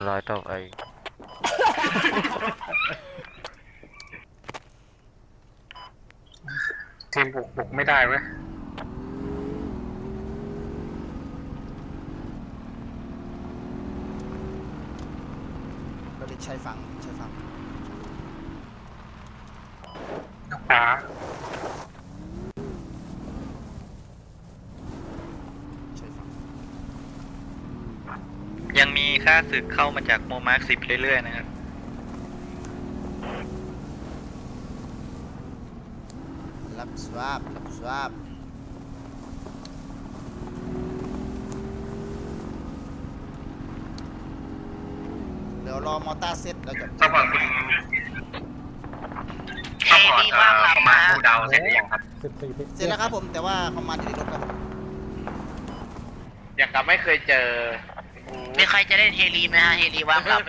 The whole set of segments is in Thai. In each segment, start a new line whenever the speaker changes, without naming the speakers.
ร้อยต่อไป
ทีมบุกไม่ได้เว้ย
เราเด็กชายฝั่ง
ขวา
ชายฝั่ง
ยังมีค่าศึกเข้ามาจากโมมาร์ค10เรื่อยๆนะครับ
รับสวาบเดี๋ยวรอมอเตอร์เซตเราจะ
ซัพพอร์ตคุณซัพพอร์ตประมาณผู้เดาเสร็จหรือยังครับ
เสร็จแล้วครับผมแต่ว่าเขามาที่รถครับผม
ยังกับไม่เคยเจอ
มีใครจะเล่นเฮลีไหมฮะเฮลีว่างครับ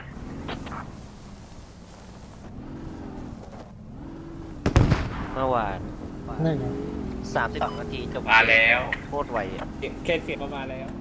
เมื่อวาน
นั่นไง
30 นาทีจบ
มาแล้ว
โคตรไวอ่ะ
เคสเสียงมาแล้ว